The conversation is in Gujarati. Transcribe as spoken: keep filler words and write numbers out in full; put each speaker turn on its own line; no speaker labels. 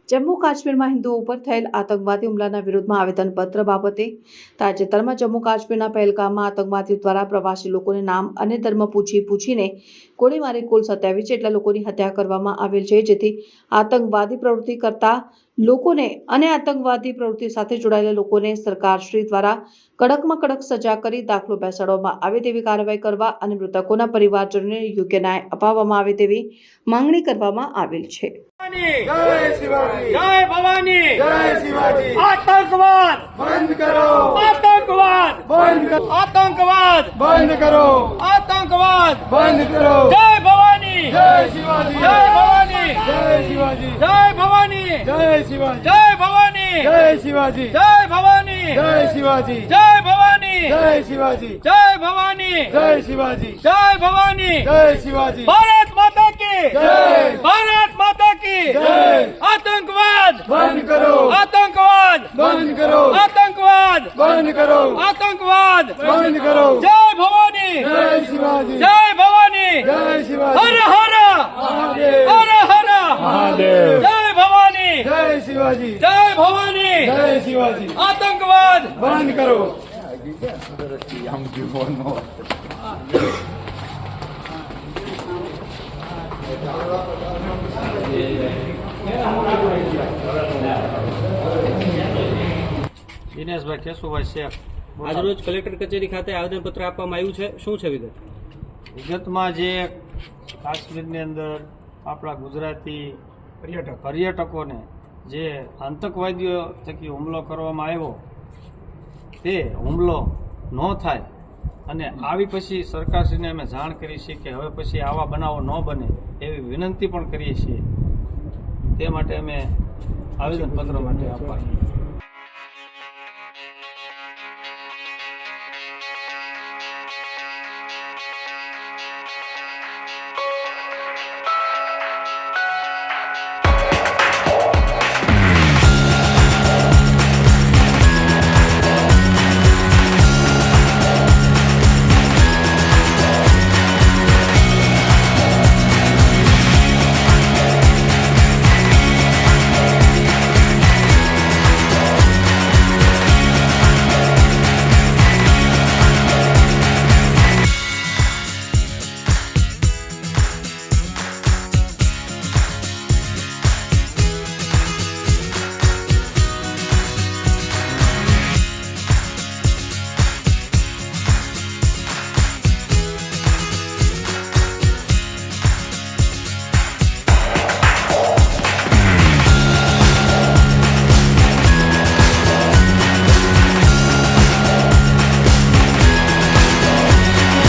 જમ્મુ કાશ્મીરમાં હિન્દુઓ ઉપર થયેલ આતંકવાદી હુમલાના વિરોધમાં આવેદનપત્ર બાબતે તાજેતરમાં જમ્મુ કાશ્મીરના પહેલગામમાં આતંકવાદીઓ દ્વારા પ્રવાસી લોકોને નામ અને ધર્મ પૂછી પૂછીને ગોળી મારી કુલ સત્યાવીસ જેટલા લોકોની હત્યા કરવામાં આવેલ છે, જેથી આતંકવાદી પ્રવૃત્તિ કરતા લોકોને અને આતંકવાદી પ્રવૃત્તિ સાથે જોડાયેલા લોકોને સરકારશ્રી દ્વારા કડકમાં કડક સજા કરી દાખલો બેસાડવામાં આવે તેવી કાર્યવાહી કરવા અને મૃતકોના પરિવારજનોને યોગ્ય ન્યાય અપાવવામાં આવે તેવી માંગણી કરવામાં આવેલ છે।
जय शिवाजी,
जय भवानी,
जय शिवाजी,
आतंकवाद
बंद करो,
आतंकवाद
बंद करो,
आतंकवाद
बंद करो,
आतंकवाद
बंद करो।
जय भवानी,
जय शिवाजी,
जय भवानी,
जय शिवाजी,
जय भवानी,
जय शिवाजी,
जय भवानी,
जय शिवाजी,
जय भवानी,
जय शिवाजी,
जय भवानी,
जय शिवाजी,
जय भवानी,
जय शिवाजी,
जय भवानी,
जय शिवाजी,
भारत माता की
जय,
भारत माता की
जय।
आतंकवाद
बंद करो,
आतंकवाद
बंद करो,
आतंकवाद
बंद करो,
आतंकवाद
बंद करो।
जय भवानी,
जय शिवाजी,
जय भवानी,
जय शिवाजी,
हर हर
महादेव,
हर हर
महादेव,
जय भवानी,
जय शिवाजी,
जय भवानी,
जय शिवाजी,
आतंकवाद
बंद करो।
દિનેશભાઈ કેશુભાઈ શેખ
આજરોજ કલેક્ટર કચેરી ખાતે આવેદનપત્ર આપવામાં આવ્યું છે, શું છે વિગત?
વિગતમાં જે કાશ્મીરની અંદર આપણા ગુજરાતી પર્યટક પર્યટકોને જે આતંકવાદીઓ થકી હુમલો કરવામાં આવ્યો તે હુમલો ન થાય અને આવી પછી સરકારશ્રીને અમે જાણ કરી છીએ કે હવે પછી આવા બનાવો ન બને એવી વિનંતી પણ કરીએ છીએ। તે માટે અમે આવેદનપત્ર માટે આપવા